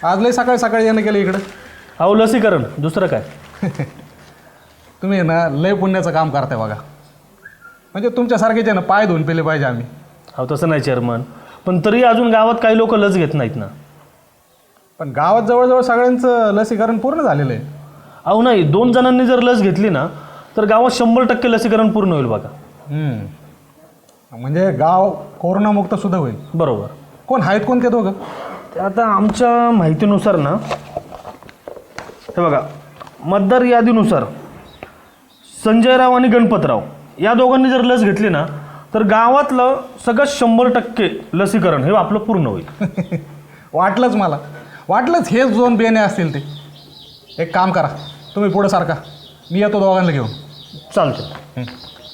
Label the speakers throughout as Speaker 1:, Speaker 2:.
Speaker 1: आज लय सकाळी सकाळी येणं केलं इकडं.
Speaker 2: अहो लसीकरण दुसरं काय.
Speaker 1: तुम्ही ना लय पुण्याचं काम करताय बघा. म्हणजे तुमच्यासारखेच आहे ना पाय धुवून पेले पाहिजे आम्ही.
Speaker 2: अहो तसं नाही चेअरमन, पण तरी अजून गावात काही लोक लस घेत नाहीत ना.
Speaker 1: पण गावात जवळजवळ सगळ्यांचं लसीकरण पूर्ण झालेलं आहे.
Speaker 2: अहो नाही, 2 जणांनी जर लस घेतली ना तर गावात 100% लसीकरण पूर्ण होईल बघा.
Speaker 1: म्हणजे गाव कोरोनामुक्त सुद्धा होईल.
Speaker 2: बरोबर.
Speaker 1: कोण आहेत कोण ते दोघं?
Speaker 2: ते आता आमच्या माहितीनुसार ना, हे बघा, मतदार यादीनुसार संजयराव आणि गणपतराव या दोघांनी जर लस घेतली ना तर गावातलं सगळं 100% लसीकरण हे आपलं पूर्ण होईल.
Speaker 1: वाटलंच मला, वाटलंच हेच 2 बेणे असतील ते. एक काम करा, तुम्ही पुढं सारखा, मी येतो दोघांना घेऊन.
Speaker 2: चालतं.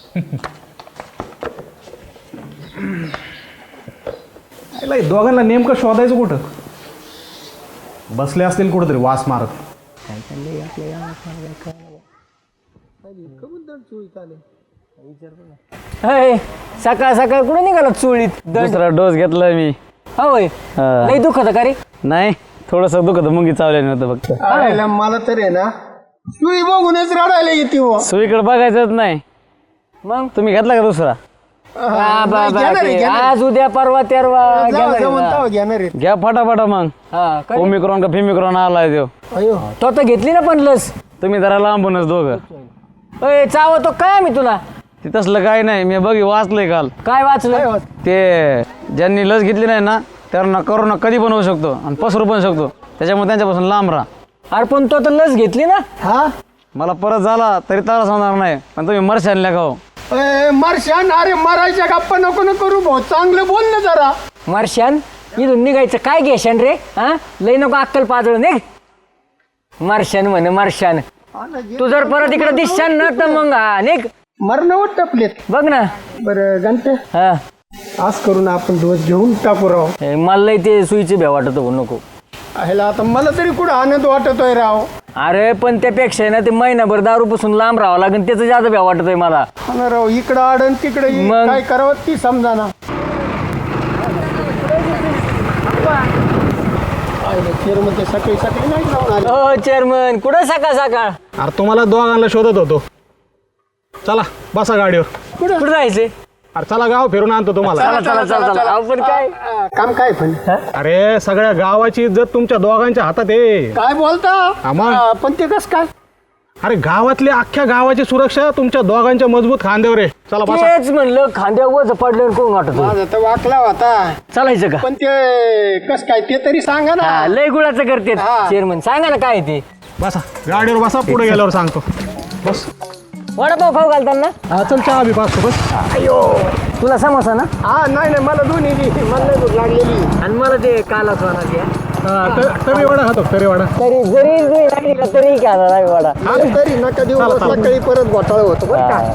Speaker 1: दोघांना नेमकं शोधायचं कुठं? बसले असतील कुठंतरी वास मारत.
Speaker 3: सकाळ सकाळ कुठं निघाला चोळीत?
Speaker 4: दुसरा डोस घेतला मी.
Speaker 3: होय, नाही दुखत का रे?
Speaker 4: नाही, थोडस दुखत, मुंगी चावले नव्हतं फक्त.
Speaker 5: मला तर आहे ना सुई बघूनच रडायला येते हो.
Speaker 4: सुईकडे बघायचंच नाही.
Speaker 3: मग
Speaker 4: तुम्ही घेतला का दुसरा?
Speaker 3: आज उद्या परवा तेरवा
Speaker 5: घेणार आहे.
Speaker 4: घ्या फटाफटा मग. ओमिक्रॉन का फिमिक्रॉन आलाय तो.
Speaker 3: तो तर घेतली ना पण लस.
Speaker 4: तुम्ही जरा लांबूनच दोघं.
Speaker 3: चावतो काय मी तुला?
Speaker 4: ते तसलं काही नाही, मी वाचलंय काल.
Speaker 3: काय वाचलं?
Speaker 4: ते ज्यांनी लस घेतली नाही ना त्यांना करोना कधी पण होऊ शकतो आणि पसरू पण शकतो, त्याच्यामुळे त्यांच्यापासून लांब राहा.
Speaker 3: अरे पण तो तर लस घेतली ना.
Speaker 5: हा
Speaker 4: मला परत झाला तरी त्रास होणार नाही, पण तुम्ही मरशानल्या का हो?
Speaker 5: मरशान, अरे मरायच्या गप्पा नको न करू भाऊ, चांगलं बोल ना जरा.
Speaker 3: मार्शान इथून निघायचं काय घेशान रे? हा, लई नको अक्कल पाजळ निघ. मार्शान म्हणे मार्शान. तू जर परत इकडे दिसशान ना तर मग निघ.
Speaker 5: मरणावर टपलेत.
Speaker 3: बघ ना.
Speaker 5: बरं घंटे,
Speaker 3: हा,
Speaker 5: आज करून आपण डोस घेऊन टाकू राव.
Speaker 3: मला लई ते सुईचे भ्या वाटत हो नको.
Speaker 5: ह्याला आता मला तरी कुठं आनंद वाटतोय राव.
Speaker 3: अरे पण त्यापेक्षा आहे ना ते महिनाभर दारूपासून लांब राहावं लागेल, त्याचं जास्त भ्या वाटतोय मला.
Speaker 5: हा ना राव, इकडं आडन तिकडे
Speaker 3: मग?
Speaker 5: काय करावं ती समजा ना. सकाळी सकाळी नाही जाऊन आले.
Speaker 3: हो चेअरमन, कुठं सकाळ सकाळ?
Speaker 1: अरे तुम्हाला दोघांना शोधत होतो. चला बसा गाडीवर.
Speaker 3: कुठं जायचंय?
Speaker 1: अरे चला गाव फिरून आणतो तुम्हाला.
Speaker 3: चला चला चला. आपण काय
Speaker 5: काम काय पण
Speaker 1: अरे सगळ्या गावाची इज्जत तुमच्या दोघांच्या हातात आहे.
Speaker 5: काय बोलता?
Speaker 1: आम्हा
Speaker 5: पण ते कस काय?
Speaker 1: अरे गावातली अख्ख्या गावाची सुरक्षा तुमच्या दोघांच्या मजबूत खांद्यावर आहे. चला बसा.
Speaker 3: तेच म्हणलं, खांद्यावर वज पडल्यावर कोण वाटत?
Speaker 5: माझा तर वाकला होता.
Speaker 3: चालायचं का?
Speaker 5: पण ते कस काय ते तरी सांगा ना.
Speaker 3: हा, लय गुळाचं करते चेअरमन, सांगा ना काय ते.
Speaker 1: बसा गाडीवर बसा, पुढे गेल्यावर सांगतो. बस.
Speaker 3: वडापाव खाऊ घालताना?
Speaker 1: हा चल, चहा बी पाचतो. बस.
Speaker 3: अयो, तुला समोसा ना?
Speaker 5: हा नाही नाही, मला दोन्ही दे. मला नाही भूक लागलेली.
Speaker 3: आणि मला ते कालाच होणार ते.
Speaker 1: तरी वडा खातो, तरी वडा.
Speaker 3: तरी जरी लागली का तरी काय झाला वडा.
Speaker 5: तरी नका देऊ, सकाळी परत घोटाळा होतो बरं का.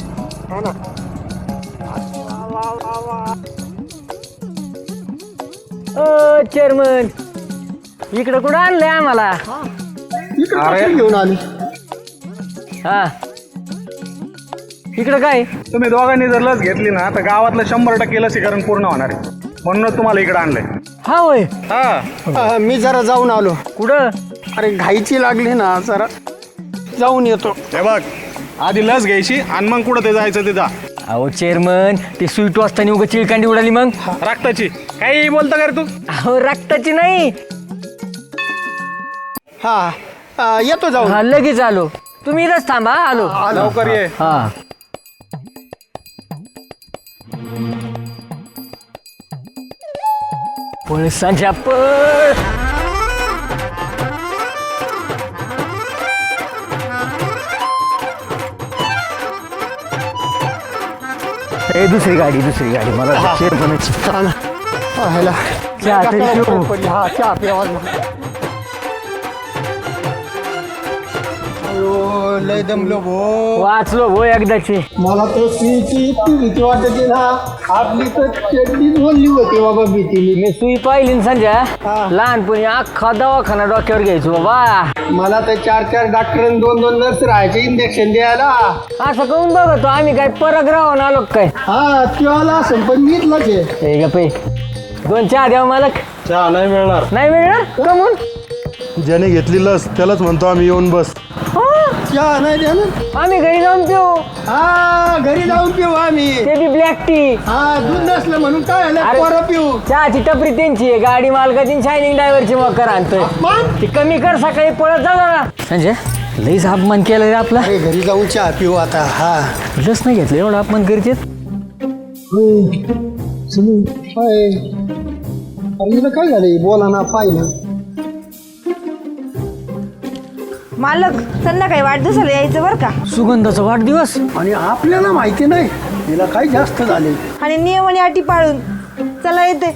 Speaker 3: ओ चेअरमन, इकडे कुठं आणलंय आम्हाला?
Speaker 5: इकडे घेऊन आले.
Speaker 3: हा, इकडं काय?
Speaker 1: तुम्ही दोघांनी जर लस घेतली ना तर गावातलं 100% लसीकरण पूर्ण होणार आहे, म्हणून तुम्हाला इकडे आणलंय.
Speaker 3: हा होय.
Speaker 1: हा,
Speaker 5: मी जरा जाऊन आलो.
Speaker 3: कुठं?
Speaker 5: अरे घाईची लागली ना, जरा जाऊन येतो.
Speaker 1: हे बघ, आधी लस घ्यायची आणि मग कुठं ते जायचं ते जा.
Speaker 3: अहो चेअरमन, ते स्वीट वाजताना उगा चिळकांडी उडाली मग.
Speaker 1: रक्ताची काही बोलता का रे तू?
Speaker 3: अहो रक्ताची नाही.
Speaker 5: हा येतो जाऊन.
Speaker 3: हा लगेच आलो. तुम्ही इथंच थांबा, आलो.
Speaker 1: लवकर ये.
Speaker 3: हा. पळसाच्या पळ. दुसरी गाडी मला चेअरमनची.
Speaker 5: ह्याला
Speaker 3: चहा तरी पिऊ.
Speaker 5: हा चहा प्यावा. लय दमलो भो.
Speaker 3: वाचलो भो एकदाची.
Speaker 5: मला तर सुईची इतकी भीती वाटते ना, आपली तर चड्डीच बोलली होती बाबा भीतीने.
Speaker 3: मी सुई पाहिली ना संजय, लहानपणी अख्खा दवाखाना डोक्यावर घ्यायचो बाबा.
Speaker 5: मला तर 4 डॉक्टर 2 नर्स राहायचे इंजेक्शन द्यायला.
Speaker 3: असं करून बघतो आम्ही काय परग्रहावर आलो काय?
Speaker 5: हा तेव्हा असं पण मीच लगे.
Speaker 3: हे गप्पे 2 चहा द्यावं मालक.
Speaker 2: चहा नाही मिळणार.
Speaker 3: नाही मिळणार का म्हणून?
Speaker 2: ज्याने घेतली लस त्यालाच म्हणतो आम्ही येऊन बस.
Speaker 5: चहा नाही देणार.
Speaker 3: आम्ही घरी जाऊन पिऊ.
Speaker 5: हा घरी जाऊन पिऊ आम्ही.
Speaker 3: ते बी ब्लॅक टी.
Speaker 5: हा दूध नसलं म्हणून काय
Speaker 3: अरे.
Speaker 5: झालं पोरं पिऊ.
Speaker 3: चहाची टपरी त्यांची आहे, गाडी मालकाची शायनिंग ड्रायव्हरची मकर आणतोय.
Speaker 5: मग
Speaker 3: ती कमी कर, सकाळी पळत जा जरा. संजय लईच अपमान केलं रे आपला.
Speaker 5: अरे घरी जाऊन चहा पिऊ आता. हा
Speaker 3: लस नाही घेतलं एवढं अपमान करीत.
Speaker 5: अरे हिला काय झालं बोला ना पाहिलं.
Speaker 6: मालक संध्याकाळी वाढदिवसाला यायचं बरं का.
Speaker 3: सुगंधाचा वाढदिवस.
Speaker 5: आणि आपल्याला माहिती नाही हिला काही जास्त झाले.
Speaker 6: आणि नियम आणि अटी पाळून चला येते.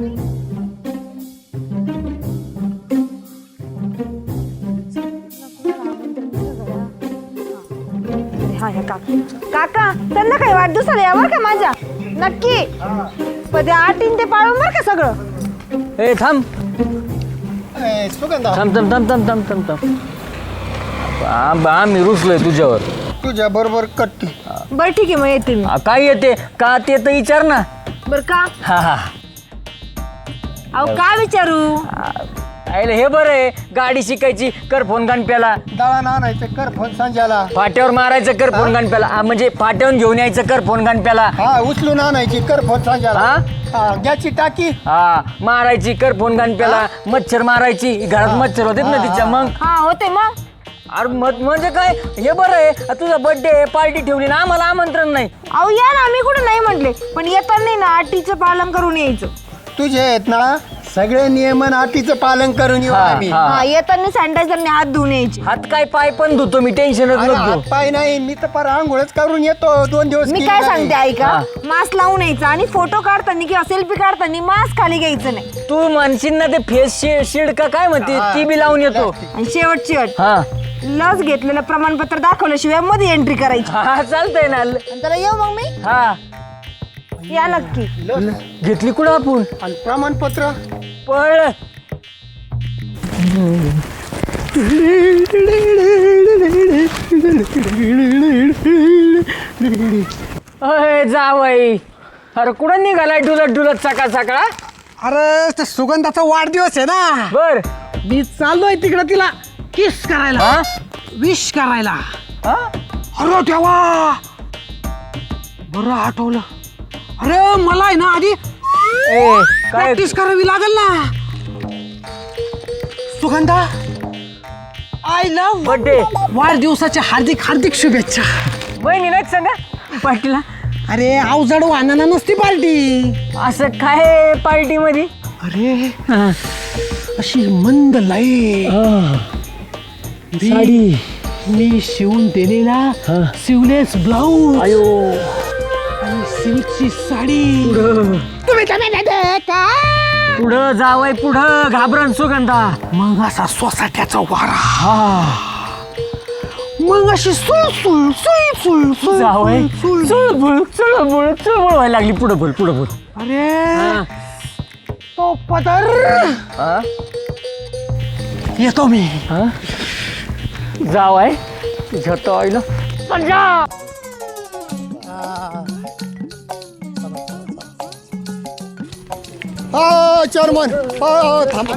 Speaker 6: काका संध्याकाळी वाढदिवसाला या बरं का माझ्या. नक्की. पण त्या अटीन ते पाळून बरं का सगळं.
Speaker 3: ए थांब
Speaker 5: सुगंधा
Speaker 3: थांब थांब थांब थांब थांब थांब थांब. आम्ही रुसलोय तुझ्यावर.
Speaker 5: तुझ्या बरोबर कट्टी.
Speaker 6: बरं ठीक आहे मग येते मी.
Speaker 3: काय येते का ते तर विचार ना.
Speaker 6: बरं का.
Speaker 3: हा हा.
Speaker 6: अहो का विचारू.
Speaker 3: आयले हे बरं आहे. गाडी शिकायची कर फोन गणप्याला.
Speaker 5: दळण आणायचं कर फोन संजाला.
Speaker 3: फाट्यावर मारायचं कर फोन गणप्याला. म्हणजे फाट्यावरून घेऊन यायचं कर फोन गणप्याला.
Speaker 5: हा उचलून आणायची कर फोन संजाला.
Speaker 3: हा?
Speaker 5: हा गॅसची टाकी.
Speaker 3: हा मारायची कर फोन गणप्याला. मच्छर मारायची घरात मच्छर होते ना तिच्या. मग
Speaker 6: हा होते मग.
Speaker 3: अरे म्हणजे काय हे बरं आहे. तुझा बर्थडे पार्टी ठेवली ना आम्हाला आमंत्रण नाही.
Speaker 6: अहो या ना आम्ही कुठे नाही म्हटले पण येताना ना अटीचं पालन करून यायचं.
Speaker 5: तुझे आहेत ना सगळे नियमन अटीचं पालन करून येऊ
Speaker 3: हा,
Speaker 5: आम्ही.
Speaker 3: हा.
Speaker 6: हा येताना सॅनिटायझरने हात धुवून यायचे.
Speaker 3: हात काय पाय पण धुतो मी. टेन्शनच
Speaker 5: अरे
Speaker 3: नको.
Speaker 5: हात पाय नाही मी तर पर आंघोळच करून येतो 2 दिवस.
Speaker 6: मी
Speaker 5: केली
Speaker 6: काय
Speaker 5: नाही.
Speaker 6: सांगते ऐका.
Speaker 3: हा.
Speaker 6: मास्क लावून यायचं आणि फोटो काढताना किंवा सेल्फी काढताना मास्क खाली घ्यायचं नाही.
Speaker 3: तू म्हणशील ना ते फेस शिल्ड का काय म्हणते ती बी लावून येतो.
Speaker 6: आणि शेवटची अट
Speaker 3: हा
Speaker 6: लस घेतलेलं प्रमाणपत्र दाखवल्याशिवाय मध्ये एंट्री करायची.
Speaker 3: हा चालतंय ना.
Speaker 6: आणि त्याला येऊ मग मी.
Speaker 3: हा
Speaker 6: या नक्की.
Speaker 3: घेतली कुठं आपण.
Speaker 5: आणि प्रमाणपत्र
Speaker 3: पळ. अय जावई. अरे कुठं निघालाय डुलत डुलत सकाळ सकाळ.
Speaker 1: अरे ते सुगंधाचा वाढदिवस आहे ना.
Speaker 3: बर
Speaker 1: मी चाललोय तिकडे तिला किस करायला.
Speaker 3: हा
Speaker 1: विश करायला.
Speaker 3: हा?
Speaker 1: अरे देवा बरं आठवलं. अरे मला आहे ना आधी
Speaker 3: ए काय
Speaker 1: प्रॅक्टिस करावी लागेल ना. सुगंधा आय लव्ह
Speaker 3: बर्थडे
Speaker 1: वाढदिवसाच्या हार्दिक हार्दिक शुभेच्छा.
Speaker 3: बहिणी नाही सांगा पार्टीला.
Speaker 1: अरे अवजड वाहनाला नसती पार्टी.
Speaker 3: असं काय पार्टी मध्ये.
Speaker 1: अरे अशी मंद लाईट साडी मी शिवून दिलेला सिवलेस ब्लाऊज आणि सिल्कची साडी. तुम्ही का
Speaker 3: पुढं जावय पुढं घाबरण सुगंधा.
Speaker 1: मग असा सोसाट्याचा वारा. मग अशी सुळसुळ सुळसुळ
Speaker 3: जावय
Speaker 1: सुळसुळ.
Speaker 3: चुळबुळ चुळबुळ चुळबुळ व्हायला लागली. पुढं बोल पुढं बोल.
Speaker 1: अरे तो पदर
Speaker 3: हा?
Speaker 1: येतो मी.
Speaker 3: हा? जावय तुझ्या तो आईला पंजा.
Speaker 5: हो चेअरमन हो थांबा.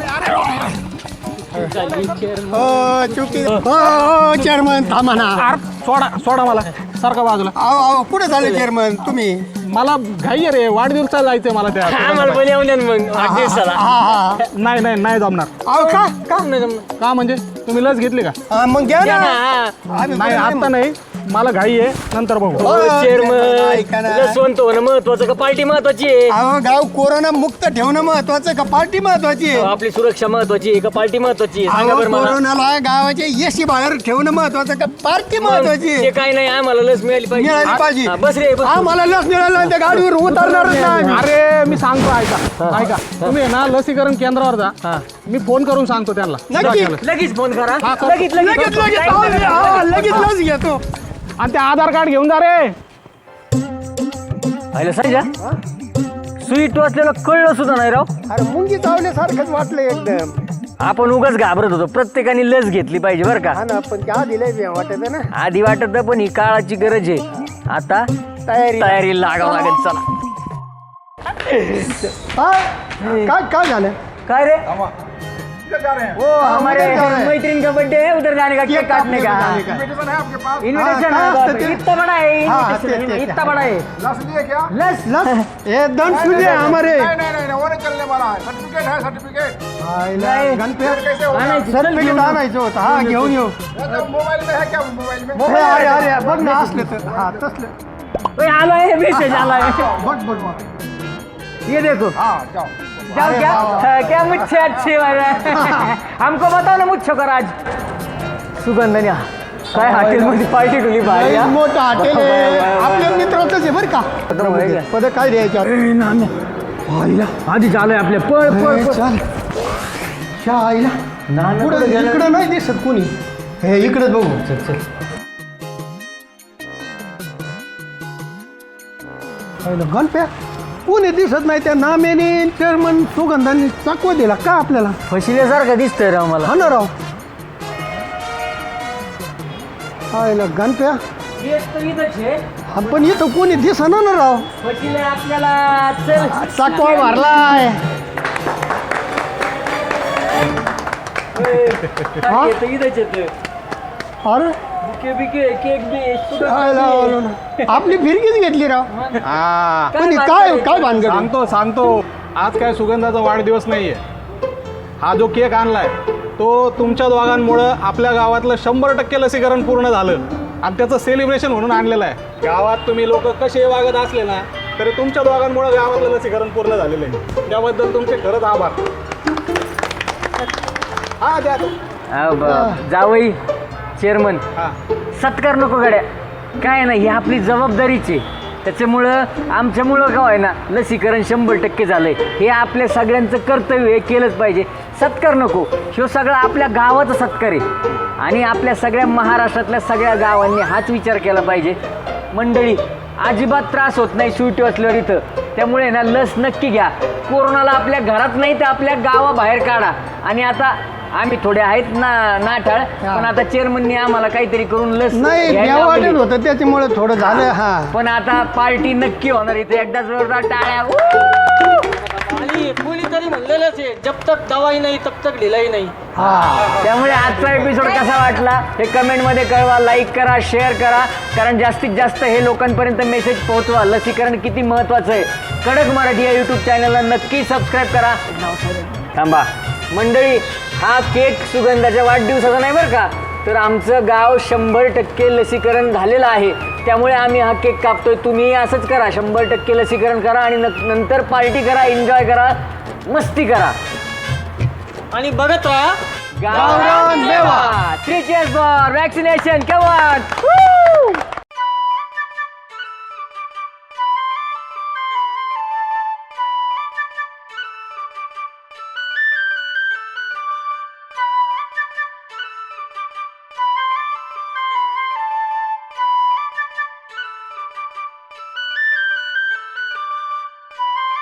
Speaker 5: हो चुकी हो चेअरमन थांबा ना.
Speaker 1: सोडा सोडा मला सारखा बाजूला.
Speaker 5: अहो कुठे झाले चेअरमन तुम्ही.
Speaker 1: मला घाई आहे रे वाढदिवसाला जायचंय मला त्या.
Speaker 3: आम्हाला पण येऊन द्या ना मग वाढदिवसाला.
Speaker 5: हा हा
Speaker 1: नाही नाही नाही जमणार.
Speaker 5: अहो का का
Speaker 1: का म्हणजे तुम्ही लस घेतली का.
Speaker 5: हा, मग घ्या
Speaker 3: या
Speaker 5: ना.
Speaker 3: ना.
Speaker 5: आम्ही
Speaker 1: नाही
Speaker 5: पण
Speaker 1: आता नाही मला घाई आहे नंतर बघू.
Speaker 5: हो, ऐका ना.
Speaker 3: चेअरमन स्वंत होणं महत्वाचं का पार्टी महत्वाची आहे.
Speaker 5: अहो गाव कोरोना मुक्त ठेवणं महत्वाचं का पार्टी महत्वाची आहे.
Speaker 3: आपली सुरक्षा महत्वाची आहे का पार्टी महत्वाची आहे. सांगा
Speaker 5: अहो
Speaker 3: बरं मला.
Speaker 5: कोरोनाला गावाच्या येशी बाहेर ठेवणं महत्वाचं का पार्टी महत्वाची
Speaker 3: ते
Speaker 5: आहे.
Speaker 3: काय नाही आम्हाला लस मिळाली
Speaker 5: मिळाली पाहिजे.
Speaker 3: हा, बस रे बस.
Speaker 5: आम्हाला लस मिळालं त्या गाडीवर उतरणारच नाही.
Speaker 1: अरे मी सांगतो ऐका तुम्ही आहे ना लसीकरण केंद्रावर जा. मी फोन करून सांगतो त्यांना.
Speaker 5: नक्की.
Speaker 3: लगेच फोन करा.
Speaker 1: हा, कर.
Speaker 3: लगेच
Speaker 5: लगेच लगेच हा, लगेच लस घेतो.
Speaker 1: आणि ते आधार कार्ड घेऊन जा रे.
Speaker 3: आयला सांगा सुई टोचलेलं कळलं सुद्धा नाही राव.
Speaker 5: अरे मुंगी चावल्यासारखंच वाटलं एकदम.
Speaker 3: आपण उगाच घाबरत होतो. प्रत्येकाने लस घेतली पाहिजे बरं का.
Speaker 5: हा ना पण त्या दिलंय वाटत ना.
Speaker 3: आधी वाटत पण ही काळाची गरज आहे. आता
Speaker 5: तयारी
Speaker 3: लागावं लागेल. चला
Speaker 5: हा? काय काय झालं
Speaker 3: काय रे वो हमारे मैत्रीन का बर्थडे है उधर जाने का केक काटने का इनविटेशन है इतना बड़ा है invitation, इतना बड़ा है लस
Speaker 5: ए दंड सुने हमारे सर्टिफिकेट आणायचं होतं हा घेऊन येऊ अरे अरे बघ ना असले तर हा तसले
Speaker 3: आला है मैसेज आला है
Speaker 5: बघ बघ
Speaker 3: ये देखो जाओ क्या क्या मुझसे अच्छे वाला हमको बताओ ना मुझसे कर आज सुगंधन्या काय हॉटेलमध्ये पार्टी ठेवली भाई
Speaker 5: लय मोठं हॉटेल आहे आपल्या मित्राचंच आहे बरं का पद काय द्यायचं आईला
Speaker 3: आधी आलोय आपल्या पळ पळ पळ.
Speaker 5: चाल च्या आईला
Speaker 3: नाना
Speaker 5: पुढं
Speaker 3: कुठं गेलं?
Speaker 5: इकडं नाही दिसत कोणी हे इकडे बघू चल चल गणप्या कोणी दिसत नाही त्या नाम्याने चेअरमन सुगंधाने चकवा दिला का आपल्याला
Speaker 3: फसिल्यासारखं दिसतंय राव मला
Speaker 5: हा ना राव आईला गणप्या हा, पण इथं कोणी दिसना ना राव
Speaker 3: फसिले आपल्याला चल
Speaker 5: चकवा भरलाय हा?
Speaker 3: इथंच येतोय
Speaker 5: अरे
Speaker 3: बुके बिके केक बी
Speaker 5: आईला आलो ना. आपली फिरकीच घेतली राव
Speaker 1: हा
Speaker 5: पण काय काय भानगड आहे?
Speaker 1: सांगतो आज काय सुगंधाचा वाढदिवस नाहीये हा जो केक आणलाय तो तुमच्या दोघांमुळं आपल्या गावातलं 100% लसीकरण पूर्ण झालं आणि त्याचं सेलिब्रेशन म्हणून आणलेलं आहे गावात तुम्ही लोक कसे वागत असले ना तरी तुमच्या दोघांमुळं गावातलं लसीकरण पूर्ण झालेलं आहे त्याबद्दल तुमचे खरंच आभार हा द्या
Speaker 3: जावई चेअरमन
Speaker 1: हा
Speaker 3: सत्कार नको गड्या काय नाही ही आपली जबाबदारीची आहे. त्याच्यामुळं आमच्यामुळं काय आहे ना लसीकरण 100% झालंय हे आपल्या सगळ्यांचं कर्तव्य आहे केलंच पाहिजे सत्कार नको ह्यो सगळा आपल्या गावाचा सत्कार आहे आणि आपल्या सगळ्या महाराष्ट्रातल्या सगळ्या गावांनी हाच विचार केला पाहिजे मंडळी अजिबात त्रास होत नाही सुट्टी असल्यावर इथं त्यामुळे ना लस नक्की घ्या कोरोनाला आपल्या घरात नाही तर आपल्या गावाबाहेर काढा आणि आता आम्ही थोडे आहेत ना नाठाळ पण आता चेअरमननी आम्हाला काहीतरी करून लस
Speaker 5: नाही
Speaker 3: घ्यायला
Speaker 5: भ्या
Speaker 3: लावली.
Speaker 5: वाटत होतं त्याच्यामुळे थोडं झालं हा
Speaker 3: पण आता पार्टी नक्की होणार इथे एकदा जोरदार टाळ्या
Speaker 7: आणि कोणीतरी म्हणलेलंच आहे जब तक दवाई नाही तब तक ढिलाई नाही
Speaker 3: त्यामुळे आजचा एपिसोड कसा वाटला हे कमेंटमध्ये कळवा लाईक करा शेअर करा कारण जास्तीत जास्त हे लोकांपर्यंत मेसेज पोहोचवा लसीकरण किती महत्त्वाचं आहे कडक मराठी या यूट्यूब चॅनलला नक्की सबस्क्राईब करा थांबा मंडळी हा केक सुगंधाच्या वाढदिवसाचा नाही बरं का तर आमचं गाव 100% लसीकरण झालेलं आहे त्यामुळे आम्ही हा केक कापतोय तुम्ही असंच करा 100% लसीकरण करा आणि नंतर पार्टी करा एन्जॉय करा मस्ती करा
Speaker 7: आणि बघत राहा
Speaker 3: गावरान देवा 3 cheers for vaccination come on